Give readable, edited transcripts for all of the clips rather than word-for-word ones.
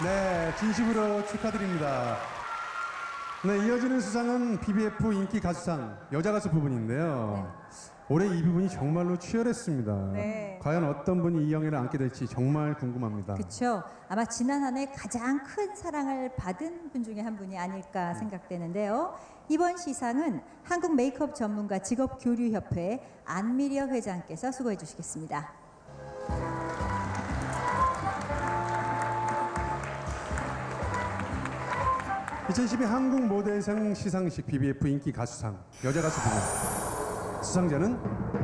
네, 진심으로 축하드립니다. 네, 이어지는 수상은 BBF 인기 가수상 여자 가수 부분인데요. 올해 이 부분이 정말로 치열했습니다. 네. 과연 어떤 분이 이 영예를 안게 될지 정말 궁금합니다. 그렇죠. 아마 지난 한 해 가장 큰 사랑을 받은 분 중에 한 분이 아닐까 생각되는데요. 이번 시상은 한국 메이크업 전문가 직업교류협회 안미려 회장께서 수고해 주시겠습니다. (2012) 한국 모델상 시상식 BBF 인기 가수상 여자 가수 부분 수상자는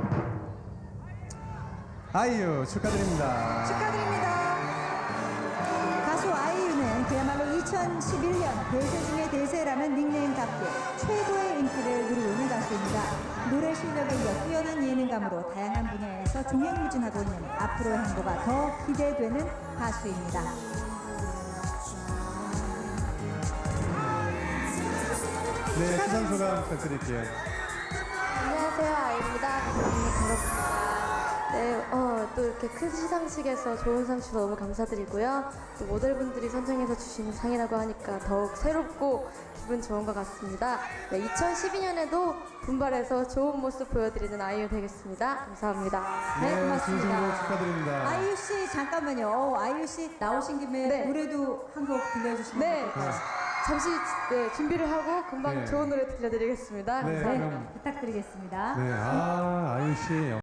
아이유 축하드립니다. 축하드립니다. 가수 아이유는 그야말로 2011년 대세 중의 대세라는 닉네임답게 최고의 인기를 누리고 있는 가수입니다. 노래 실력에 이어 뛰어난 예능감으로 다양한 분야에서 종횡무진하고 있는 앞으로의 행보가 더 기대되는 가수입니다. 네, 수상 소감 부탁드릴게요. 안녕하세요, 아이입니다. 반갑습니다. 네, 또 이렇게 큰 시상식에서 좋은 상 주셔서 너무 감사드리고요. 또 모델분들이 선정해서 주신 상이라고 하니까 더욱 새롭고 기분 좋은 것 같습니다. 네, 2012년에도 분발해서 좋은 모습 보여드리는 아이유 되겠습니다. 감사합니다. 네, 진심으로 고맙습니다. 축하드립니다. 아이유 씨 잠깐만요. 아이유 씨 나오신 김에 네. 노래도 한 곡 들려주시면 네, 어떨까요? 잠시 준비를 하고 금방 네. 좋은 노래 들려드리겠습니다. 네, 감사합니다. 그럼 부탁드리겠습니다. 네, 아이유 씨.